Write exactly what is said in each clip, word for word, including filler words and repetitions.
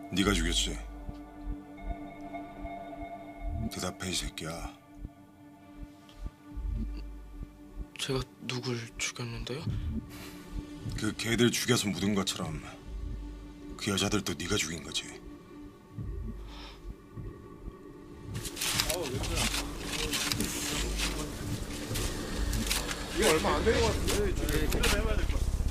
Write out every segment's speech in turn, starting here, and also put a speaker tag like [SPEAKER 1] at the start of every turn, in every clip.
[SPEAKER 1] 네가 죽였지? 대답해 이 새끼야.
[SPEAKER 2] 제가 누굴 죽였는데요?
[SPEAKER 1] 그 개들 죽여서 묻은 것처럼 그 여자들도 네가 죽인 거지.
[SPEAKER 3] 이거 얼마 안 되는 것 같은데?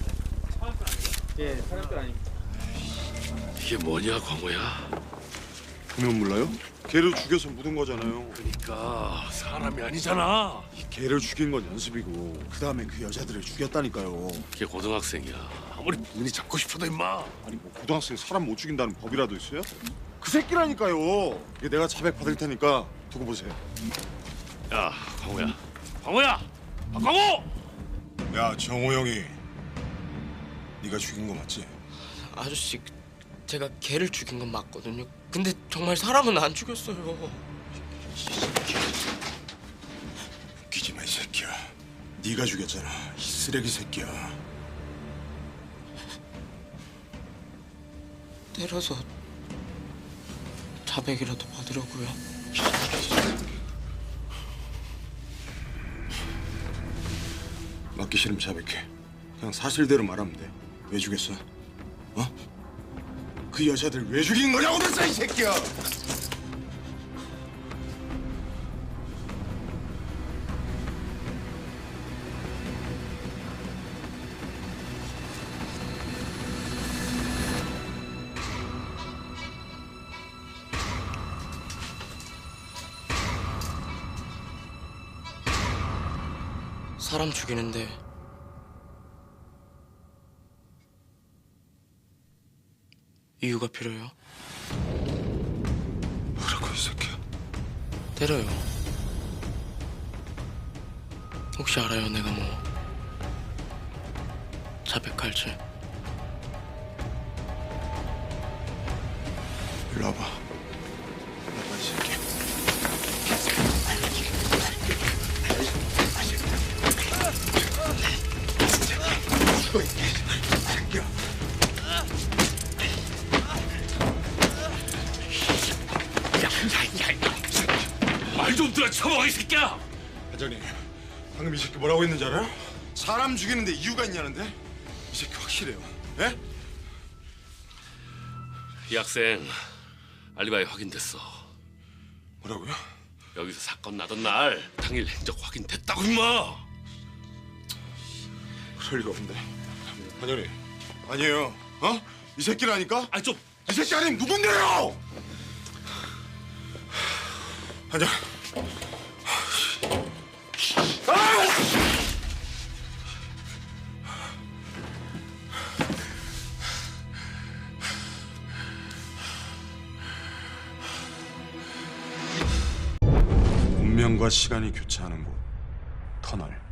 [SPEAKER 3] 예, 사람들 아닙니다.
[SPEAKER 4] 이게 뭐냐, 광호야?
[SPEAKER 1] 보면 몰라요? 개를 죽여서 묻은 거잖아요.
[SPEAKER 4] 그러니까 사람이 아니잖아.
[SPEAKER 1] 개를 죽인 건 연습이고 그 다음에 그 여자들을 죽였다니까요.
[SPEAKER 4] 걔 고등학생이야. 아무리 본인이 잡고 싶어도 임마.
[SPEAKER 1] 아니 뭐 고등학생 사람 못 죽인다는 법이라도 있어요? 그 새끼라니까요. 이게 내가 자백 받을 테니까 두고 보세요.
[SPEAKER 4] 야, 광호야. 광호야! 박광호!
[SPEAKER 1] 야 정호 형이 네가 죽인 거 맞지?
[SPEAKER 2] 아저씨, 제가 걔를 죽인 건 맞거든요. 근데 정말 사람은 안 죽였어요.
[SPEAKER 1] 웃기지 마 이 새끼야. 네가 죽였잖아 이 쓰레기 새끼야.
[SPEAKER 2] 때려서 자백이라도 받으려고요.
[SPEAKER 1] 맞기 싫으면 자백해. 그냥 사실대로 말하면 돼. 왜 죽였어? 어? 그 여자들 왜 죽인 거냐고 그랬어 이 새끼야.
[SPEAKER 2] 사람 죽이는데 이유가 필요해요.
[SPEAKER 1] 뭐라고 이 새끼야.
[SPEAKER 2] 때려요. 혹시 알아요, 내가 뭐 자백할지?
[SPEAKER 1] 일로 와봐. 일로 와봐 이 새끼야. 죽어 이 새끼야.
[SPEAKER 4] 말 좀 들어, 처먹어, 이 새끼야!
[SPEAKER 1] 반장님, 방금 이 새끼 뭐라고 했는지 알아요? 사람 죽이는데 이유가 있냐는데? 이 새끼 확실해요. 예?
[SPEAKER 4] 이 학생 알리바이 확인됐어.
[SPEAKER 1] 뭐라고요?
[SPEAKER 4] 여기서 사건 나던 날 당일 행적 확인됐다고, 임마!
[SPEAKER 1] 그럴 리가 없는데. 반장님, 아니에요. 어? 이 새끼라니까?
[SPEAKER 4] 아니, 좀...
[SPEAKER 1] 이 새끼 아니면 누군데요? 반장. 운명과 시간이 교차하는 곳, 터널.